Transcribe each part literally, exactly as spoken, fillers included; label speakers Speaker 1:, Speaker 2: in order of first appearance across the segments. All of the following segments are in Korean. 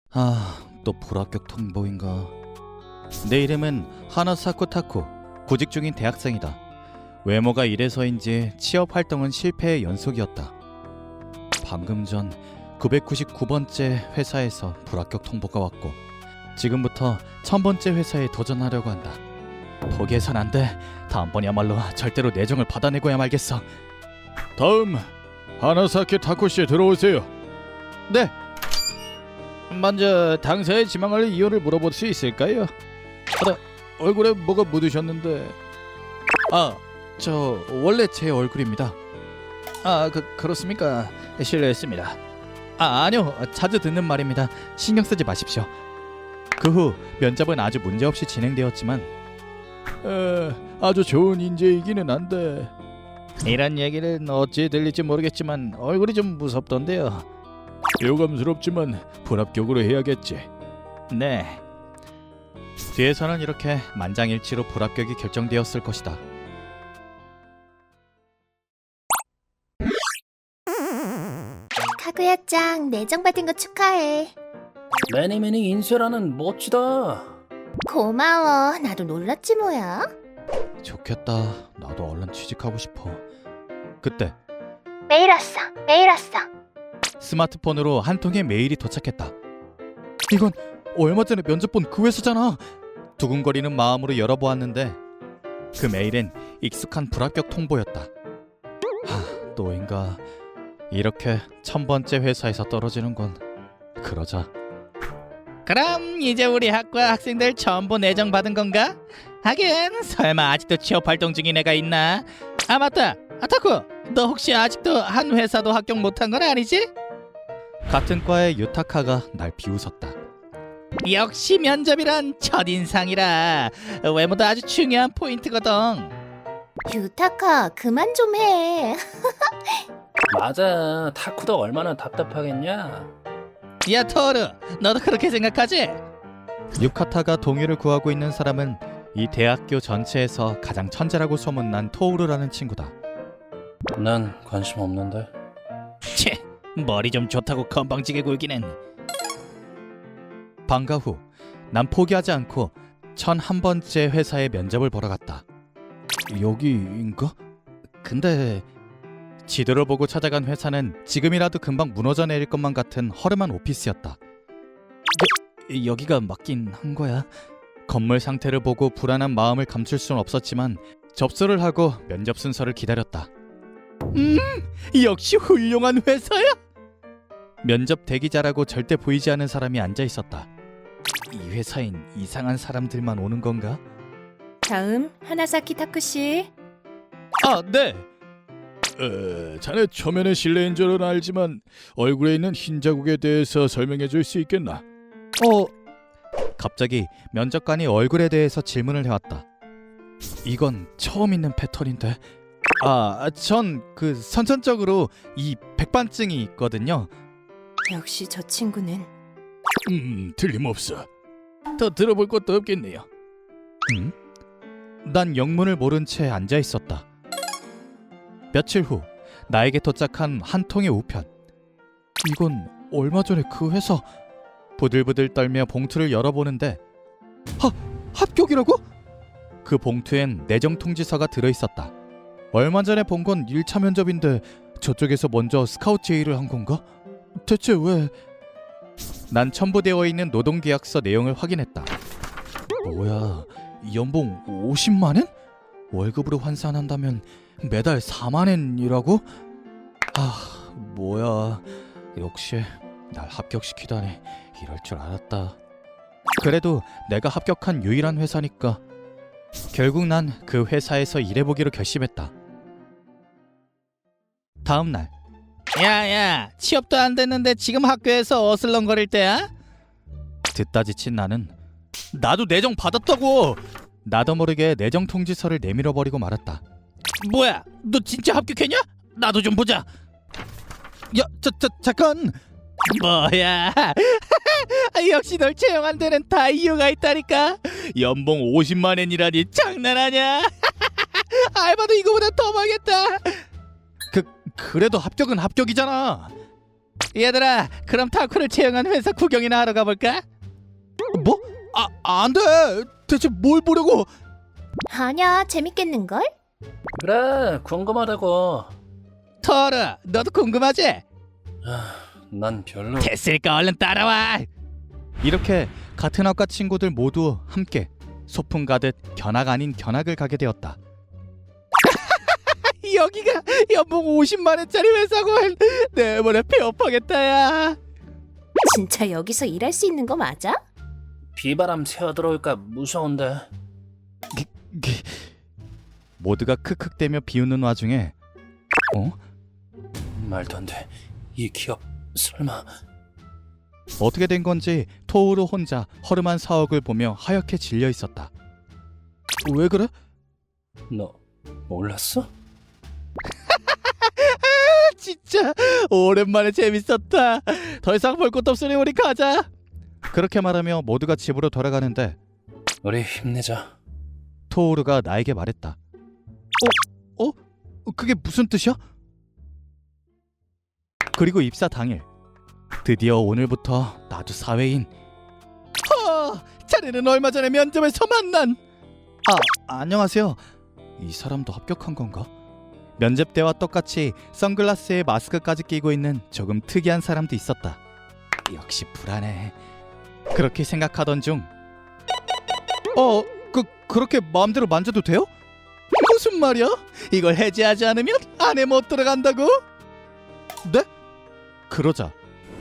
Speaker 1: 아, 또 불합격 통보인가. 내 이름은 하나사쿠 타쿠, 구직 중인 대학생이다. 외모가 이래서인지 취업 활동은 실패의 연속이었다. 방금 전 구백구십구 번째 회사에서 불합격 통보가 왔고 지금부터 천 번째 회사에 도전하려고 한다. 포기해선 안 돼. 다음번이야말로 절대로 내정을 받아내고야 말겠어. 다음 하나사키 타쿠씨 들어오세요. 네. 먼저 당사에 지망할 이유를 물어볼 수 있을까요? 아, 얼굴에 뭐가 묻으셨는데. 아, 저 원래 제 얼굴입니다. 아, 그 그렇습니까? 실례했습니다. 아, 아니요. 자주 듣는 말입니다. 신경 쓰지 마십시오. 그 후 면접은 아주 문제없이 진행되었지만 에, 아주 좋은 인재이기는 한데 이런 얘기는 어찌 들릴지 모르겠지만 얼굴이 좀 무섭던데요. 유감스럽지만 불합격으로 해야겠지. 네. 뒤에서는 이렇게 만장일치로 불합격이 결정되었을 것이다.
Speaker 2: 카구야짱 내정받은 거 축하해.
Speaker 3: 매니 매니 인쇄라는 멋지다.
Speaker 2: 고마워. 나도 놀랐지 뭐야.
Speaker 1: 좋겠다. 나도 얼른 취직하고 싶어. 그때
Speaker 2: 메일 왔어. 메일 왔어.
Speaker 1: 스마트폰으로 한 통의 메일이 도착했다. 이건 얼마 전에 면접 본 그 회사잖아. 두근거리는 마음으로 열어보았는데 그 메일엔 익숙한 불합격 통보였다. 하, 또인가. 이렇게 천 번째 회사에서 떨어지는 건 그러자. 그럼 이제 우리 학과 학생들 전부 내정 받은 건가? 하긴 설마 아직도 취업 활동 중인 애가 있나? 아 맞다. 아타쿠, 너 혹시 아직도 한 회사도 합격 못한 건 아니지? 같은 과의 유타카가 날 비웃었다. 역시 면접이란 첫인상이라 외모도 아주 중요한 포인트거든.
Speaker 2: 유타카 그만 좀 해.
Speaker 3: 맞아. 타쿠도 얼마나 답답하겠냐.
Speaker 1: 야 토르, 너도 그렇게 생각하지? 유카타가 동의를 구하고 있는 사람은 이 대학교 전체에서 가장 천재라고 소문난 토우르라는 친구다.
Speaker 3: 난 관심 없는데.
Speaker 1: 채, 머리 좀 좋다고 건방지게 굴기는. 방과 후 난 포기하지 않고 천한 번째 회사에 면접을 보러 갔다. 여기인가? 근데 지도를 보고 찾아간 회사는 지금이라도 금방 무너져 내릴 것만 같은 허름한 오피스였다. 여, 여기가 맞긴 한 거야. 건물 상태를 보고 불안한 마음을 감출 수는 없었지만 접수를 하고 면접 순서를 기다렸다. 음, 역시 훌륭한 회사야. 면접 대기자라고 절대 보이지 않는 사람이 앉아 있었다. 이 회사엔 이상한 사람들만 오는 건가?
Speaker 4: 다음 하나사키 타쿠씨.
Speaker 1: 아, 네. 어, 자네 초면에 실례인 줄은 알지만 얼굴에 있는 흰 자국에 대해서 설명해 줄 수 있겠나? 어. 갑자기 면접관이 얼굴에 대해서 질문을 해왔다. 이건 처음 있는 패턴인데. 아, 전 그 선천적으로 이 백반증이 있거든요.
Speaker 4: 역시 저 친구는
Speaker 1: 음, 틀림없어. 더 들어볼 것도 없겠네요. 음? 난 영문을 모른 채 앉아 있었다. 며칠 후 나에게 도착한 한 통의 우편. 이건 얼마 전에 그 회사. 부들부들 떨며 봉투를 열어보는데 하! 합격이라고? 그 봉투엔 내정 통지서가 들어있었다. 얼마 전에 본 건 일 차 면접인데 저쪽에서 먼저 스카우트 제의를 한 건가? 대체 왜? 난 첨부되어 있는 노동계약서 내용을 확인했다. 뭐야, 연봉 오십만 엔? 월급으로 환산한다면 매달 사만 엔이라고? 아, 뭐야. 역시 날 합격시키다니. 이럴 줄 알았다. 그래도 내가 합격한 유일한 회사니까 결국 난 그 회사에서 일해보기로 결심했다. 다음 날. 야야, 취업도 안 됐는데 지금 학교에서 어슬렁거릴 때야? 듣다 지친 나는 나도 내정 받았다고. 나도 모르게 내정 통지서를 내밀어 버리고 말았다. 뭐야, 너 진짜 합격했냐? 나도 좀 보자. 야, 자, 자, 잠깐. 뭐야? 역시 널 채용한 데는 다 이유가 있다니까. 연봉 오십만 엔이라니 장난하냐? 알바도 이거보다 더 많겠다. 그 그래도 합격은 합격이잖아. 얘들아, 그럼 타쿠를 채용한 회사 구경이나 하러 가볼까? 뭐? 아, 안 돼. 대체 뭘 보려고?
Speaker 2: 아니야, 재밌겠는걸?
Speaker 3: 그래, 궁금하다고.
Speaker 1: 토르, 너도 궁금하지?
Speaker 3: 아, 난 별로.
Speaker 1: 됐으니까 얼른 따라와. 이렇게 같은 학과 친구들 모두 함께 소풍 가듯 견학 아닌 견학을 가게 되었다. 여기가 연봉 오십만 원짜리 회사고 내버려 폐업하겠다 야.
Speaker 2: 진짜 여기서 일할 수 있는 거 맞아?
Speaker 3: 비바람 새어 들어올까 무서운데.
Speaker 1: 모두가 크크대며 비웃는 와중에 어?
Speaker 3: 말도 안 돼. 이 기업 설마.
Speaker 1: 어떻게 된 건지 토우루 혼자 허름한 사옥을 보며 하얗게 질려 있었다. 왜 그래?
Speaker 3: 너 몰랐어?
Speaker 1: 진짜 오랜만에 재밌었다. 더 이상 볼 것도 없으니 우리 가자. 그렇게 말하며 모두가 집으로 돌아가는데
Speaker 3: 우리 힘내자.
Speaker 1: 토우루가 나에게 말했다. 어? 어? 그게 무슨 뜻이야? 그리고 입사 당일 드디어 오늘부터 나도 사회인. 하! 자네는 얼마 전에 면접에서 만난. 아, 안녕하세요. 이 사람도 합격한 건가? 면접 때와 똑같이 선글라스에 마스크까지 끼고 있는 조금 특이한 사람도 있었다. 역시 불안해. 그렇게 생각하던 중 어, 그, 그렇게 마음대로 만져도 돼요? 무슨 말이야? 이걸 해제하지 않으면 안에 못 들어간다고? 네? 그러자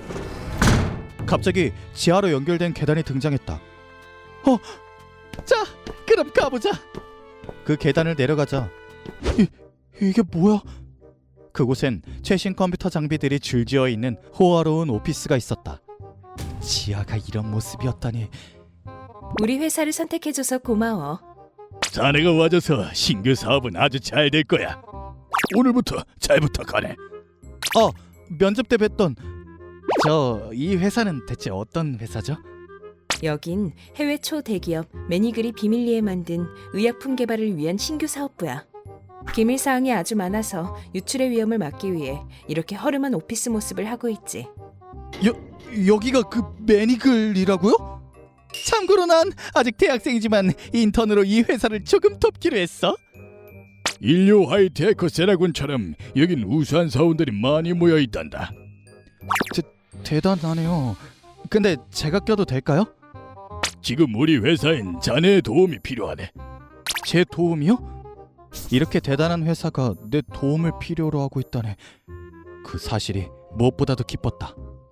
Speaker 1: 갑자기 지하로 연결된 계단이 등장했다. 어, 자, 그럼 가보자. 그 계단을 내려가자 이, 이게 뭐야? 그곳엔 최신 컴퓨터 장비들이 줄지어 있는 호화로운 오피스가 있었다. 지하가 이런 모습이었다니.
Speaker 4: 우리 회사를 선택해줘서 고마워.
Speaker 1: 자네가 와줘서 신규 사업은 아주 잘 될 거야. 오늘부터 잘 부탁하네. 어, 면접 때 뵀던 저 이 회사는 대체 어떤 회사죠?
Speaker 4: 여긴 해외 초대기업 매니그리 비밀리에 만든 의약품 개발을 위한 신규 사업부야. 기밀 사항이 아주 많아서 유출의 위험을 막기 위해 이렇게 허름한 오피스 모습을 하고 있지.
Speaker 1: 여, 여기가 그 매니글이라고요? 참고로 난 아직 대학생이지만 인턴으로 이 회사를 조금 돕기로 했어.
Speaker 5: 인류 하이테크 세라군처럼 여긴 우수한 사원들이 많이 모여 있단다.
Speaker 1: 대단하네요. 근데 제가 껴도 될까요?
Speaker 5: 지금 우리 회사엔 자네의 도움이 필요하네.
Speaker 1: 제 도움이요? 이렇게 대단한 회사가 내 도움을 필요로 하고 있다네. 그 사실이 무엇보다도 기뻤다.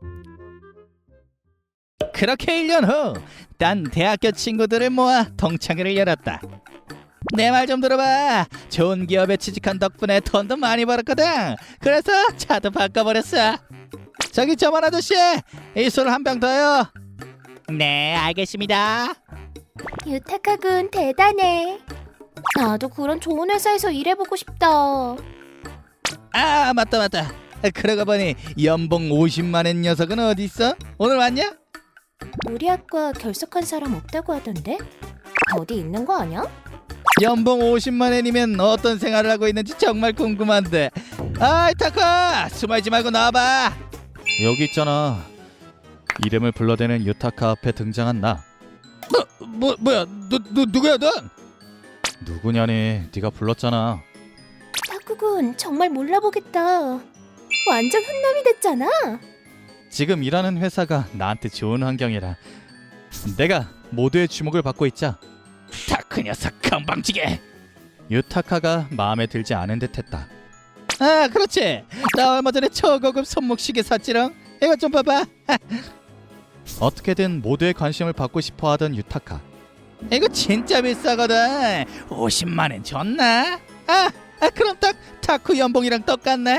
Speaker 1: 그렇게 일 년 후, 난 대학교 친구들을 모아 동창회를 열었다. 내 말 좀 들어봐. 좋은 기업에 취직한 덕분에 돈도 많이 벌었거든. 그래서 차도 바꿔버렸어. 저기 저만 아저씨, 이 술 한 병 더요. 네, 알겠습니다.
Speaker 2: 유타카군 대단해. 나도 그런 좋은 회사에서 일해보고 싶다.
Speaker 1: 아, 맞다 맞다. 그러고 보니 연봉 오십만 원 녀석은 어디 있어? 오늘 왔냐?
Speaker 2: 우리 학과 결석한 사람 없다고 하던데? 어디 있는 거 아니야?
Speaker 1: 연봉 오십만 원이면 어떤 생활을 하고 있는지 정말 궁금한데. 아이 타카, 숨어있지 말고 나와봐. 여기 있잖아. 이름을 불러대는 유타카 앞에 등장한 나. 뭐, 뭐 뭐야? 누, 누 누구야 넌? 누구냐니? 네가 불렀잖아.
Speaker 2: 타쿠군 정말 몰라보겠다. 완전 훈남이 됐잖아.
Speaker 1: 지금 일하는 회사가 나한테 좋은 환경이라 내가 모두의 주목을 받고 있자. 타크 녀석 건방지게. 유타카가 마음에 들지 않은 듯했다. 아, 그렇지. 나 얼마 전에 초고급 손목시계 샀지롱. 이거 좀 봐봐. 어떻게든 모두의 관심을 받고 싶어하던 유타카. 이거 진짜 비싸거든. 오십만 원 줬나? 아, 아 그럼 딱 타쿠 연봉이랑 똑같네.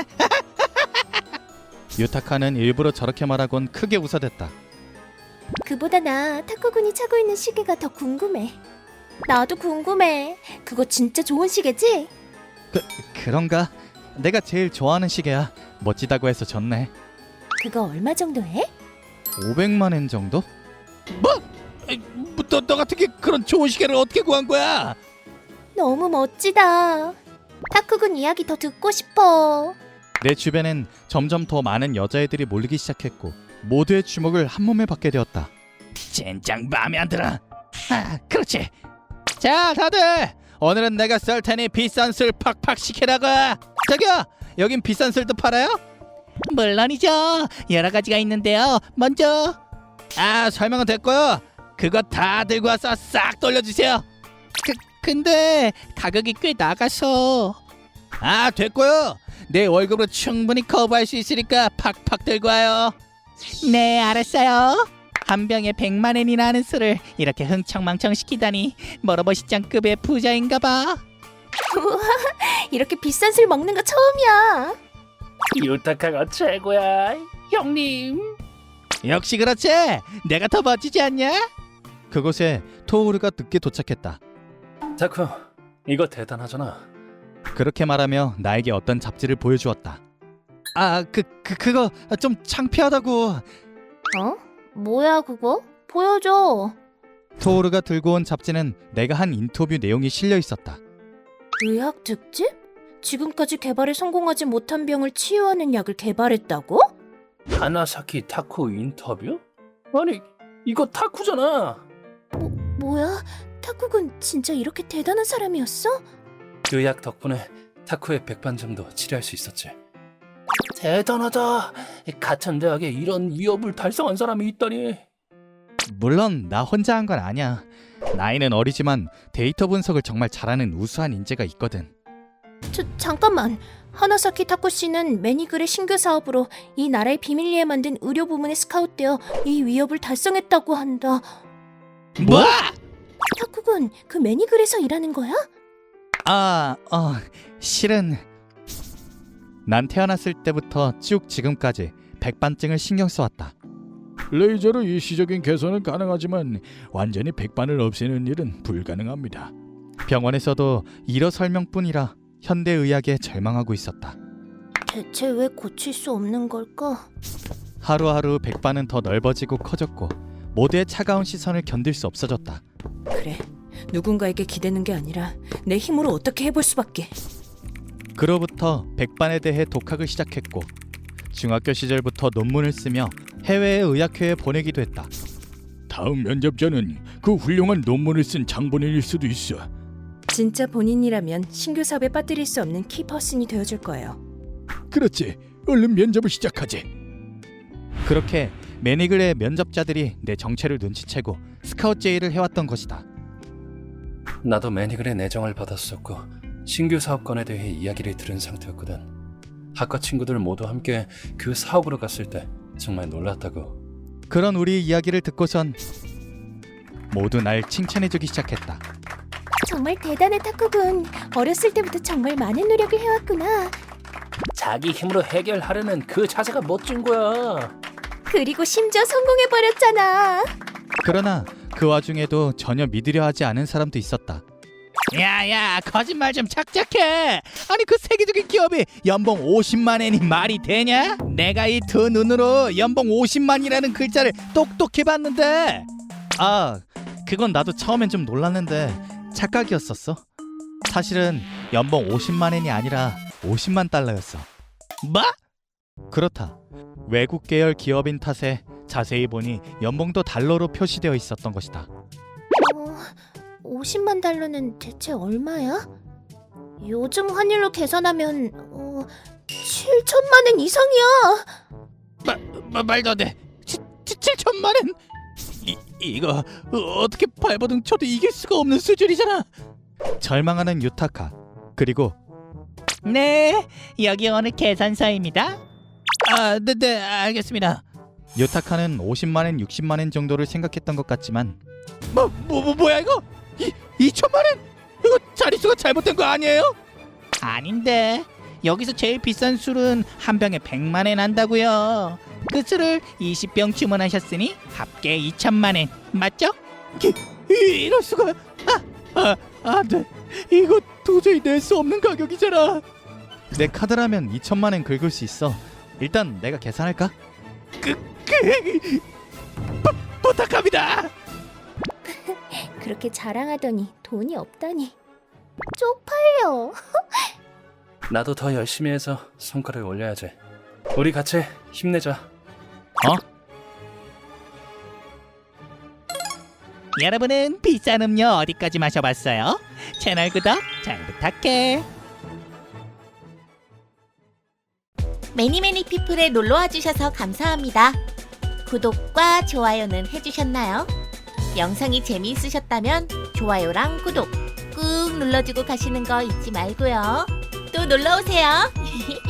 Speaker 1: 유타카는 일부러 저렇게 말하곤 크게 웃어댔다.
Speaker 2: 그보다 나 타쿠군이 차고 있는 시계가 더 궁금해. 나도 궁금해. 그거 진짜 좋은 시계지?
Speaker 1: 그, 그런가? 내가 제일 좋아하는 시계야. 멋지다고 해서 줬네.
Speaker 2: 그거 얼마 정도 해?
Speaker 1: 오백만 엔 정도? 뭐? 에이, 뭐 너, 너 같은 게 그런 좋은 시계를 어떻게 구한 거야?
Speaker 2: 너무 멋지다. 타쿠군 이야기 더 듣고 싶어.
Speaker 1: 내 주변엔 점점 더 많은 여자애들이 몰리기 시작했고 모두의 주목을 한 몸에 받게 되었다. 젠장 마음에 안 들어. 아, 그렇지. 자, 다들 오늘은 내가 쏠 테니 비싼 술 팍팍 시키라고. 저기요, 여긴 비싼 술도 팔아요? 물론이죠. 여러 가지가 있는데요. 먼저 아, 설명은 됐고요. 그거 다 들고 와서 싹 돌려주세요. 그, 근데 가격이 꽤 나가서. 아, 됐고요. 내 월급으로 충분히 커버할 수 있으니까 팍팍 들고 와요. 네, 알았어요. 한 병에 백만 엔이나 하는 술을 이렇게 흥청망청 시키다니 멀어버시장급의 부자인가봐.
Speaker 2: 우와, 이렇게 비싼 술 먹는 거 처음이야.
Speaker 3: 유타카가 최고야, 형님.
Speaker 1: 역시 그렇지. 내가 더 멋지지 않냐? 그곳에 토우르가 늦게 도착했다.
Speaker 3: 타쿠, 이거 대단하잖아.
Speaker 1: 그렇게 말하며 나에게 어떤 잡지를 보여주었다. 아, 그, 그 그거 좀 창피하다고.
Speaker 2: 어? 뭐야 그거? 보여줘.
Speaker 1: 토우르가 들고 온 잡지는 내가 한 인터뷰 내용이 실려 있었다.
Speaker 2: 의학 특집? 지금까지 개발에 성공하지 못한 병을 치유하는 약을 개발했다고?
Speaker 3: 하나사키 타쿠 인터뷰? 아니, 이거 타쿠잖아.
Speaker 2: 뭐야? 타쿠군 진짜 이렇게 대단한 사람이었어?
Speaker 3: 그 약 덕분에 타쿠의 백반점도 치료할 수 있었지. 대단하다. 같은 대학에 이런 위협을 달성한 사람이 있다니.
Speaker 1: 물론 나 혼자 한 건 아니야. 나이는 어리지만 데이터 분석을 정말 잘하는 우수한 인재가 있거든.
Speaker 2: 저, 잠깐만. 하나사키 타쿠 씨는 매니글의 신규 사업으로 이 나라의 비밀리에 만든 의료 부문에 스카웃되어 이 위협을 달성했다고 한다.
Speaker 1: 뭐?
Speaker 2: 타쿠군 그 매니글에서 일하는 거야?
Speaker 1: 아, 어, 실은 난 태어났을 때부터 쭉 지금까지 백반증을 신경 써왔다.
Speaker 5: 레이저로 일시적인 개선은 가능하지만 완전히 백반을 없애는 일은 불가능합니다.
Speaker 1: 병원에서도 일어 설명뿐이라 현대의학에 절망하고 있었다.
Speaker 2: 대체 왜 고칠 수 없는 걸까?
Speaker 1: 하루하루 백반은 더 넓어지고 커졌고 모두의 차가운 시선을 견딜 수 없어졌다.
Speaker 4: 그래, 누군가에게 기대는 게 아니라 내 힘으로 어떻게 해볼 수밖에.
Speaker 1: 그로부터 백반에 대해 독학을 시작했고 중학교 시절부터 논문을 쓰며 해외의 의학회에 보내기도 했다.
Speaker 5: 다음 면접자는 그 훌륭한 논문을 쓴 장본인일 수도 있어.
Speaker 4: 진짜 본인이라면 신규 사업에 빠뜨릴 수 없는 키퍼슨이 되어줄 거예요.
Speaker 5: 그렇지. 얼른 면접을 시작하지.
Speaker 1: 그렇게 매니글의 면접자들이 내 정체를 눈치채고 스카웃 제의를 해왔던 것이다.
Speaker 3: 나도 매니글의 내정을 받았었고 신규 사업권에 대해 이야기를 들은 상태였거든. 학과 친구들 모두 함께 그 사업으로 갔을 때 정말 놀랐다고.
Speaker 1: 그런 우리 이야기를 듣고선 모두 날 칭찬해주기 시작했다.
Speaker 2: 정말 대단해 타쿠군. 어렸을 때부터 정말 많은 노력을 해왔구나.
Speaker 3: 자기 힘으로 해결하려는 그 자세가 멋진 거야.
Speaker 2: 그리고 심지어 성공해버렸잖아.
Speaker 1: 그러나 그 와중에도 전혀 믿으려 하지 않은 사람도 있었다. 야야, 거짓말 좀 착착해. 아니 그 세계적인 기업이 연봉 오십만 엔이 말이 되냐? 내가 이 두 눈으로 연봉 오십만이라는 글자를 똑똑히 봤는데. 아, 그건 나도 처음엔 좀 놀랐는데 착각이었었어. 사실은 연봉 오십만 엔이 아니라 오십만 달러였어. 뭐? 그렇다. 외국 계열 기업인 탓에 자세히 보니 연봉도 달러로 표시되어 있었던 것이다.
Speaker 2: 어, 오십만 달러는 대체 얼마야? 요즘 환율로 계산하면 어, 칠천만 엔 이상이야.
Speaker 1: 마, 마, 말도 안 돼. 칠천만 엔? 이, 이거 어떻게 발버둥 쳐도 이길 수가 없는 수준이잖아. 절망하는 유타카. 그리고 네, 여기 오늘 계산서입니다. 아, 네, 네, 알겠습니다. 유타카는 오십만 엔, 육십만 엔 정도를 생각했던 것 같지만 뭐, 뭐, 뭐 뭐야 이거? 이, 이천만 엔? 이거 자릿수가 잘못된 거 아니에요? 아닌데 여기서 제일 비싼 술은 한 병에 백만 엔 한다고요. 그 술을 이십 병 주문하셨으니 합계 이천만 엔 맞죠? 이, 이, 이럴 수가. 아, 아, 안 돼. 이거 도저히 낼 수 없는 가격이잖아. 내 카드라면 이천만 엔 긁을 수 있어. 일단 내가 계산할까? 그, 그, 부, 부탁합니다.
Speaker 2: 그렇게 자랑하더니 돈이 없다니. 쪽팔려.
Speaker 3: 나도 더 열심히 해서 성과를 올려야지. 우리 같이 힘내자.
Speaker 6: 여러분은 비싼 음료 어디까지 마셔봤어요? 채널 구독 잘 부탁해.
Speaker 2: 매니매니 피플에 놀러와 주셔서 감사합니다. 구독과 좋아요는 해주셨나요? 영상이 재미있으셨다면 좋아요랑 구독 꾹 눌러주고 가시는 거 잊지 말고요. 또 놀러오세요.